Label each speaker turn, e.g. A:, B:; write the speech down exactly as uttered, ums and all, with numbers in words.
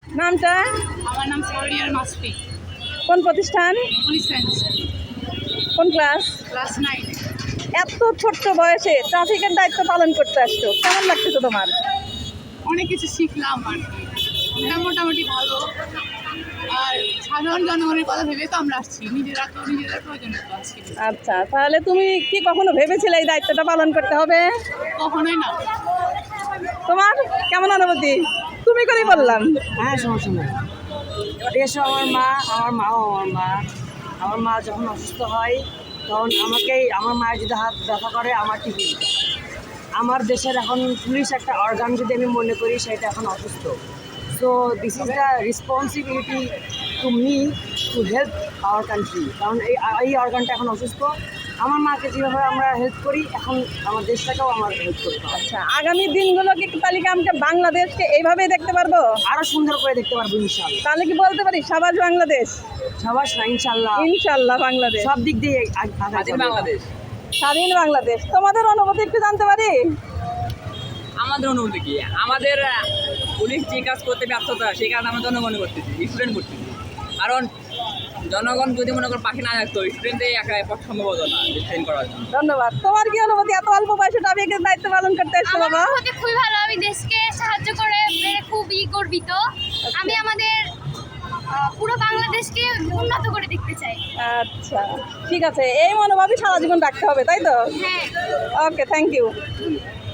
A: নামটা?
B: আমার নাম সাউরিয়ার মাসফি।
A: কোন প্রতিষ্ঠান?
B: পুলিশ সায়েন্স,
A: কোন ক্লাস?
B: Class nine.
A: এত ছোট্ট বয়সে ট্রাফিকের দায়িত্ব পালন করতে আসছো, কেমন লাগতেছে তোমার?
B: অনেক কিছু শিখলাম আর কি, এটা মোটামুটি ভালো। আর সাধারণ জনগণের কথা ভেবে তো আমরা আসছি, নিজেরা তো নিজেদের প্রয়োজনে তো আসছি।
A: আচ্ছা, তাহলে তুমি কি কখনো ভেবেছিলে এই দায়িত্বটা পালন করতে হবে?
B: কখনোই না।
A: তোমার কেমন অনুভূতি? তুমি করেই বললাম।
C: হ্যাঁ, সমস্যা নেই। দেশও আমার মা, আমার মাও আমার মা। আমার মা যখন অসুস্থ হয় তখন আমাকেই, আমার মায়ের যদি হাত ব্যথা করে আমার টিফিন। আমার দেশের এখন পুলিশ একটা অর্গান যদি আমি মনে করি সেটা এখন অসুস্থ। So this is the responsibility to me to help our country. কারণ এই এই অর্গানটা এখন অসুস্থ। আমার মাকে যেভাবে আমরা হেল্প করি, এখন আমার দেশটাকেও আমার হেল্প করতে হবে।
A: আচ্ছা, আগামী দিনগুলোকে কি তালিকা আমরা বাংলাদেশকে এইভাবেই দেখতে পারবো?
C: আরও সুন্দর করে দেখতে পারবো ইনশাল্লাহ।
A: তাহলে কি বলতে পারি সাবাস বাংলাদেশ?
C: সবাস না, ইনশাল্লাহ
A: ইনশাল্লাহ বাংলাদেশ,
C: সব দিক দিয়ে বাংলাদেশ।
A: স্বাধীন বাংলাদেশ। তোমাদের অনুভূতি একটু জানতে পারি?
D: আমাদের অনুভূতি কি? আমাদের পুলিশ যে কাজ করতে ব্যর্থতা, সেই কারণে আমরা জনগণ করতেছি, স্টুডেন্ট করতেছি। কারণ জনগণ যদি মনে করো পাখি না থাকতো, স্টুডেন্টদের একা পক্ষে সম্ভব হতো না ট্রেন করার জন্য।
A: ধন্যবাদ। তোমার কি অনুভূতি? এত অল্প বয়সে ট্রাফিকের দায়িত্ব পালন করতে এসছো
E: আমার
A: বাবা?
E: অনুভূতি খুবই ভালো। আমি দেশকে সাহায্য করে পেরে খুবই গর্বিত। আমি আমাদের আহ, পুরো বাংলাদেশকে উন্নত করে দেখতে চাই।
A: আচ্ছা, ঠিক আছে, এই মনোভাবই সারা জীবন রাখতে হবে, তাই তো?
E: হ্যাঁ।
A: Okay, thank you.